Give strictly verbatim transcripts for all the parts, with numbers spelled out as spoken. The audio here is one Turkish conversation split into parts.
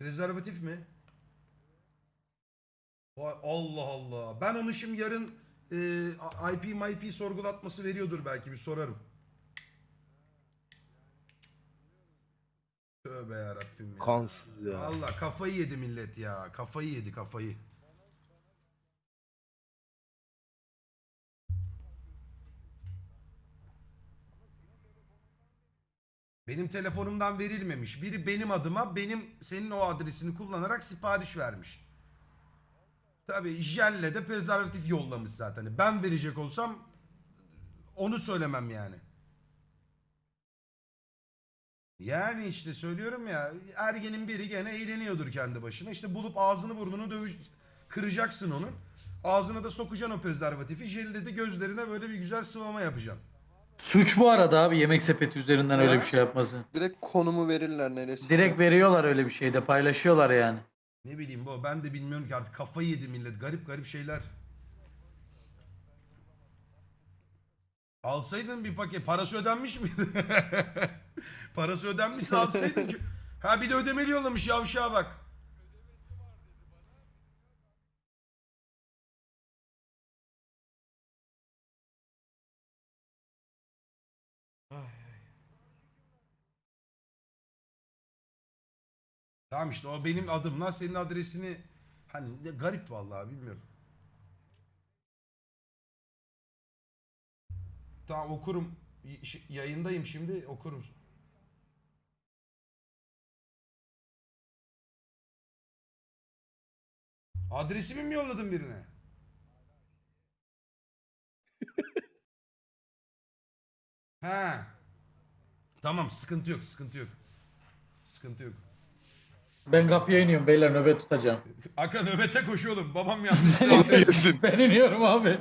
Prezervatif mi? Vay Allah Allah. Ben onu şimdi yarın e, I P M I P sorgulatması veriyordur belki, bir sorarım. Tövbe yarabbim ya. Kansız ya. Valla kafayı yedi millet ya. Kafayı yedi kafayı. Benim telefonumdan verilmemiş. Biri benim adıma benim senin o adresini kullanarak sipariş vermiş. Tabii jelle de prezervatif yollamış zaten. Ben verecek olsam onu söylemem yani. Yani işte söylüyorum ya, ergenin biri gene eğleniyordur kendi başına. İşte bulup ağzını burnunu dövüş kıracaksın onun. Ağzına da sokacaksın o prezervatifi. Jelle de gözlerine böyle bir güzel sıvama yapacaksın. Suç bu arada abi, yemek sepeti üzerinden öyle Ya. bir şey yapması. Direkt konumu verirler neresi. Direkt veriyorlar, öyle bir şeyde paylaşıyorlar yani. Ne bileyim bu, ben de bilmiyorum ki artık, kafayı yedi millet. Garip garip şeyler. Alsaydın bir paket. Parası ödenmiş miydi? Parası ödenmişse alsaydın ki. Ha bir de ödemeli yollamış, yavşağa bak. Tamam işte o benim adımla senin adresini, hani ne garip vallahi, bilmiyorum. Tamam okurum. Y- Yayındayım şimdi, okurum. Adresimi mi yolladın birine? Ha. Tamam, sıkıntı yok, sıkıntı yok. Sıkıntı yok. Ben kapıya iniyorum beyler, nöbet tutacağım. Aka nöbete koş oğlum. Babam yanlışlıkla adresimi. Ben iniyorum abi.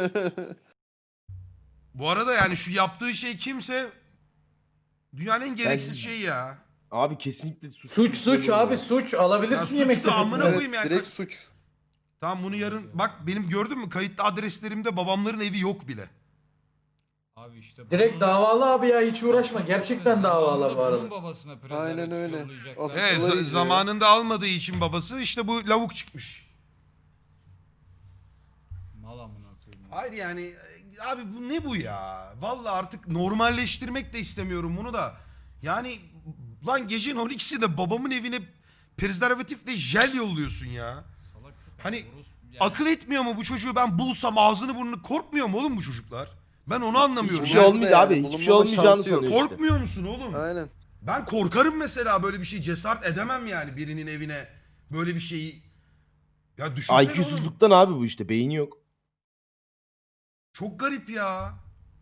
Bu arada yani şu yaptığı şey kimse dünyanın en gereksiz Ben- şeyi ya. Abi kesinlikle suç. Suç suç abi, suç alabilirsin Ya yemek suç da amına sepetinden. koyayım Evet ya. direkt suç. Tamam bunu yarın bak, benim gördün mü kayıtlı adreslerimde babamların evi yok bile. Abi işte Direkt bunun- davalı abi ya, hiç uğraşma. Gerçekten davalı bu Zamanında bunun arada. babasına Aynen prezervatif öyle. yollayacaklar. Asıl- Evet, Sıkıları za- izliyor. zamanında almadığı için babası işte bu lavuk çıkmış. Mal amına koyayım. Hayır yani e, abi bu ne bu ya? Vallahi artık normalleştirmek de istemiyorum bunu da. Yani lan gecenin on ikisinde babamın evine prezervatifle jel yolluyorsun ya. Salak köpek, Hani orospu- yani akıl etmiyor mu bu çocuğu, ben bulsam ağzını burnunu, korkmuyor mu oğlum bu çocuklar? Ben onu anlamıyorum. Hiçbir ya. şey Bulunma olmayacak yani, abi. Hiçbir şey bulunmama olmayacağını şansı yok. sanıyor işte. Korkmuyor musun oğlum? Aynen. Ben korkarım mesela, böyle bir şey cesaret edemem yani, birinin evine böyle bir şeyi. Ya düşünsene oğlum. I Q'suzluktan abi bu işte. Beyni yok. Çok garip ya.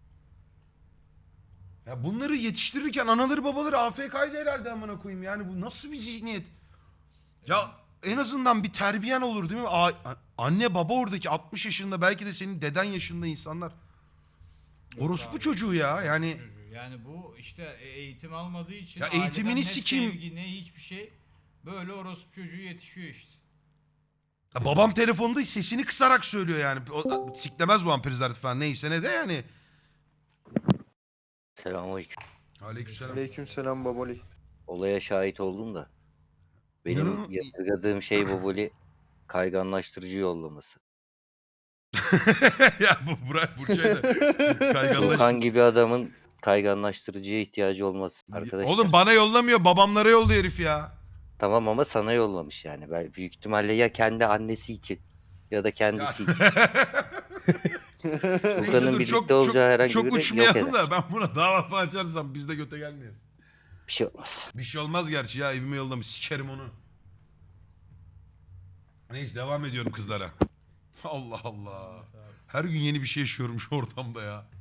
Ya bunları yetiştirirken anaları babaları A F K'ydı herhalde, amına koyayım. Yani bu nasıl bir zihniyet? Ya en azından bir terbiyen olur değil mi? A- anne baba oradaki altmış yaşında, belki de senin deden yaşında insanlar. Orospu abi, çocuğu ya yani. çocuğu. Yani bu işte eğitim almadığı için Ya aileden eğitimini ne sikeyim. sevgi ne hiçbir şey, böyle orospu çocuğu yetişiyor işte. Ya babam telefonda sesini kısarak söylüyor yani. O, siklemez bu an prezervatif falan, neyse ne de yani. Selamünaleyküm. Aleykümselam. Aleykümselam baboli. Olaya şahit oldum da. Benim İnanın- yadırgadığım şey Boboli kayganlaştırıcı yollaması. Ya bu Burak Burçay'da kayganlaştı. Furkan gibi adamın kayganlaştırıcıya ihtiyacı olması arkadaşlar. Oğlum bana yollamıyor, babamlara yolluyor herif ya. Tamam ama sana yollamış yani. Ben büyük ihtimalle ya kendi annesi için ya da Ya. kendisi için. Neyse Furkan'ın dur, birlikte çok, olacağı herhangi çok, çok biri yok uçmayalım eder. da ben buna dava falan açarsam biz de göte gelmeyelim. Bir şey olmaz. Bir şey olmaz gerçi ya, evime yollamış, sikerim onu. Neyse devam ediyorum kızlara. Allah Allah. Her gün yeni bir şey yaşıyorum şu ortamda ya.